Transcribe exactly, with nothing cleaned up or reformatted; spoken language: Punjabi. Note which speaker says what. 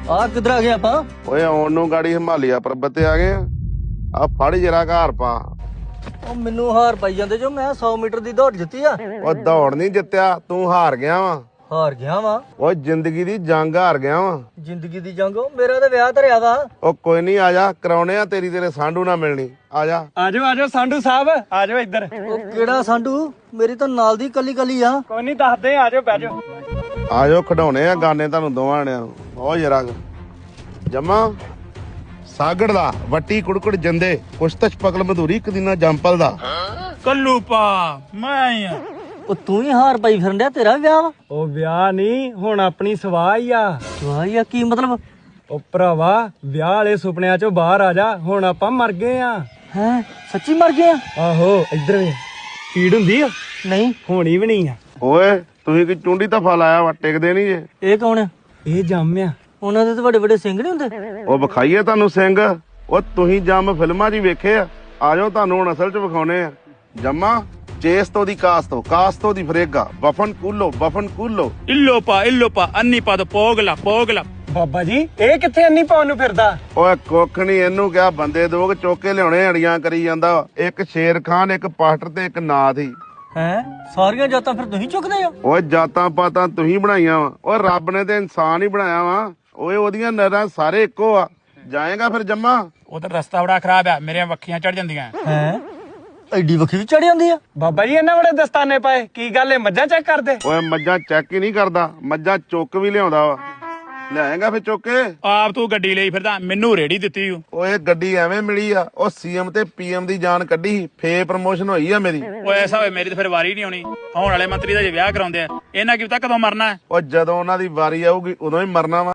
Speaker 1: ਆ ਕਿੱਧਰ ਆ ਗਏ ਆਪਾਂ?
Speaker 2: ਓਏ ਆਉਣ ਨੂੰ ਗਾੜੀ ਹਿਮਾਲਿਆ ਪਰਬਤ ਤੇ ਆ ਗਏ ਆ। ਆ ਫੜ ਜਰਾ ਘਰ ਪਾ।
Speaker 1: ਉਹ ਮੈਨੂੰ ਹਾਰ ਪਾਈ ਜਾਂਦੇ ਜੋ ਮੈਂ ਸੌ ਮੀਟਰ ਦੀ ਦੌੜ ਜਿੱਤੀ ਆ।
Speaker 2: ਉਹ ਦੌੜ ਨਹੀਂ ਜਿੱਤਿਆ, ਤੂੰ ਹਾਰ ਗਿਆ ਵਾ।
Speaker 1: ਹਾਰ ਗਿਆ ਵਾ?
Speaker 2: ਓਏ ਜ਼ਿੰਦਗੀ ਦੀ ਜੰਗ ਹਾਰ ਗਿਆ ਵਾ।
Speaker 1: ਜ਼ਿੰਦਗੀ ਦੀ ਜੰਗ? ਮੇਰਾ ਤਾਂ ਵਿਆਹ ਧਰਿਆ ਵਾ।
Speaker 2: ਉਹ ਕੋਈ ਨਹੀਂ, ਆ ਜਾ ਕਰਾਉਣੇ ਆ ਤੇਰੀ ਤੇਰੇ ਸਾਂਢੂ ਨਾ ਮਿਲਣੀ। ਆ ਜਾ
Speaker 3: ਆਜੋ ਆਜੋ ਸਾਂਢੂ ਸਾਹਿਬ, ਆਜੋ ਇੱਧਰ।
Speaker 1: ਉਹ ਕਿਹੜਾ ਸਾਂਢੂ? ਮੇਰੀ ਤਾਂ ਨਾਲ ਦੀ ਕੱਲੀ ਕੱਲੀ ਆ।
Speaker 3: ਕੋਈ ਨਹੀਂ ਦੱਸਦੇ, ਆਜੋ ਬਹਿ ਜਾਓ।
Speaker 2: ਆ ਜਾਓ ਖਿਡਾਉਣੇ ਆ ਗਾਨੇ ਤੁਹਾਨੂੰ ਦੋਵਾਂ ਨੇ। ਉਹ ਜਰਾ ਜਮਾ ਸਾਗੜ ਦਾ ਵੱਟੀ ਕੁੜਕੁੜ ਜੰਦੇ ਕੁਸ਼ਤਸ਼ ਪਗਲ ਮਧੂਰੀ ਇੱਕ ਦਿਨਾ ਜੰਪਲ ਦਾ
Speaker 3: ਕੱਲੂ ਪਾ ਮੈਂ ਆ।
Speaker 1: ਉਹ ਤੂੰ ਹੀ ਹਾਰ ਪਾਈ ਫਿਰਨ ਡਿਆ, ਤੇਰਾ ਵਿਆਹ ਵਾ?
Speaker 3: ਉਹ ਵਿਆਹ ਨਹੀਂ, ਹੁਣ ਆਪਣੀ ਸਵਾਹ ਹੀ ਆ।
Speaker 1: ਵਾਹ ਯਾ ਕੀ ਮਤਲਬ?
Speaker 3: ਉਹ ਭਰਾਵਾ ਵਿਆਹ ਵਾਲੇ ਸੁਪਨਿਆਂ ਚੋਂ ਬਾਹਰ ਆ ਜਾ, ਹੁਣ ਆਪਾਂ ਮਰ ਗਏ ਆ।
Speaker 1: ਹੈ ਸੱਚੀ ਮਰ ਗਏ ਆ?
Speaker 3: ਆਹੋ ਇੱਧਰ ਵੇ ਪੀੜ ਹੁੰਦੀ ਆ?
Speaker 1: ਨਹੀਂ
Speaker 3: ਹੋਣੀ ਵੀ ਨਹੀਂ ਆ।
Speaker 2: ਓਏ ਤੁਸੀਂ ਕੀ ਚੁੰਡੀ ਧਫਾ ਲਾਇਆ ਵਾ, ਟਿਕਦੇ ਨਹੀਂ ਜੇ।
Speaker 1: ਇਹ ਕੌਣ ਆ?
Speaker 3: ਇਹ ਜੰਮ ਆ।
Speaker 1: ਉਹਨਾਂ ਦੇ ਤਾਂ ਵੱਡੇ ਵੱਡੇ ਸਿੰਘ ਨਹੀਂ ਹੁੰਦੇ?
Speaker 2: ਉਹ ਵਿਖਾਈਏ ਤੁਹਾਨੂੰ ਸਿੰਘ। ਉਹ ਤੁਸੀਂ ਜੰਮ ਫਿਲਮਾਂ 'ਚ ਹੀ ਵੇਖੇ ਆ। ਆ ਜਾਓ ਤੁਹਾਨੂੰ ਹੁਣ ਅਸਲ 'ਚ ਵਿਖਾਉਣੇ ਆ। ਜੰਮਾ ਚੇਸਤੋ ਦੀ ਕਾਸਤੋ ਕਾਸਤੋ ਦੀ ਫਰੇਗਾ ਬਫਨ ਕੂਲੋ ਬਫਨ ਕੂਲੋ
Speaker 4: ਇਲੋਪਾ ਇਲੋਪਾ ਅੰਨੀਪਾ ਪੋਗਲਾ ਪੋਗਲਾ।
Speaker 3: ਬਾਬਾ ਜੀ ਇਹ ਕਿੱਥੇ ਅੰਨੀ ਪਾਉਣ ਨੂੰ ਫਿਰਦਾ?
Speaker 2: ਓਏ ਕੁੱਖ ਨੀ, ਇਹਨੂੰ ਕਿਹਾ ਬੰਦੇ ਦੋਗ ਚੁੱਕ ਕੇ ਲਿਆਉਣੇ ਅੜੀਆਂ ਕਰੀ ਜਾਂਦਾ। ਇੱਕ ਸ਼ੇਰ ਖਾਨ, ਇੱਕ ਪਾਸਟਰ ਤੇ ਇੱਕ ਨਾਥ ਹੀ।
Speaker 1: ਹੈ ਸਾਰੀਆਂ ਜਾਤਾਂ ਫਿਰ ਤੁਸੀਂ ਚੁੱਕਦੇ ਹੋ?
Speaker 2: ਓਏ ਜਾਤਾਂ ਪਾਤਾਂ ਤੁਸੀਂ ਬਣਾਈਆਂ ਵਾ। ਓਏ ਰੱਬ ਨੇ ਤੇ ਇਨਸਾਨ ਹੀ ਬਣਾਇਆ ਵਾ। ਓਏ ਉਹਦੀਆਂ ਨਰਾਂ ਸਾਰੇ ਇੱਕੋ ਆ। ਜਾਏਗਾ ਫਿਰ ਜੰਮਾ?
Speaker 4: ਉਧਰ ਰਸਤਾ ਬੜਾ ਖਰਾਬ ਆ, ਮੇਰੀਆਂ ਵੱਖੀਆਂ ਚੜ ਜਾਂਦੀਆਂ।
Speaker 1: ਹੈ ਐਡੀ ਵੱਖੀ ਵੀ ਚੜ ਜਾਂਦੀ ਆ?
Speaker 3: ਬਾਬਾ ਜੀ ਇਹਨਾਂ ਬੜੇ ਦਸਤਾਨੇ ਪਾਏ, ਕੀ ਗੱਲ ਏ ਮੱਝਾਂ ਚੈੱਕ ਕਰਦੇ?
Speaker 2: ਓਏ ਮੱਝਾਂ ਚੈੱਕ ਹੀ ਨਹੀਂ ਕਰਦਾ, ਮੱਝਾਂ ਚੁੱਕ ਵੀ ਲਿਆਉਂਦਾ ਵਾ। ਲਿਆਏਗਾ ਫਿਰ ਚੁੱਕ ਕੇ?
Speaker 4: ਆਪ ਤੂੰ ਗੱਡੀ ਲਈ ਫਿਰਦਾ, ਮੈਨੂੰ ਰੇੜੀ ਦਿੱਤੀ ਓ।
Speaker 2: ਓਏ ਗੱਡੀ ਐਵੇਂ ਮਿਲੀ ਆ, ਉਹ ਸੀਐਮ ਤੇ ਪੀਐਮ ਦੀ ਜਾਨ ਕੱਢੀ, ਫੇ ਪ੍ਰਮੋਸ਼ਨ ਹੋਈ ਆ ਮੇਰੀ।
Speaker 4: ਓਏ ਐਸਾ ਹੋਏ ਮੇਰੀ ਤਾਂ ਫਿਰ ਵਾਰੀ ਨਹੀਂ ਆਉਣੀ। ਆਉਣ ਵਾਲੇ ਮੰਤਰੀ ਦਾ ਜੇ ਵਿਆਹ ਕਰਾਉਂਦੇ ਆ, ਇਹਨਾਂ ਕੀ ਪਤਾ ਕਦੋਂ ਮਰਨਾ।
Speaker 2: ਉਹ ਜਦੋਂ ਉਹਨਾਂ ਦੀ ਵਾਰੀ ਆਊਗੀ ਉਦੋਂ ਹੀ ਮਰਨਾ ਵਾ।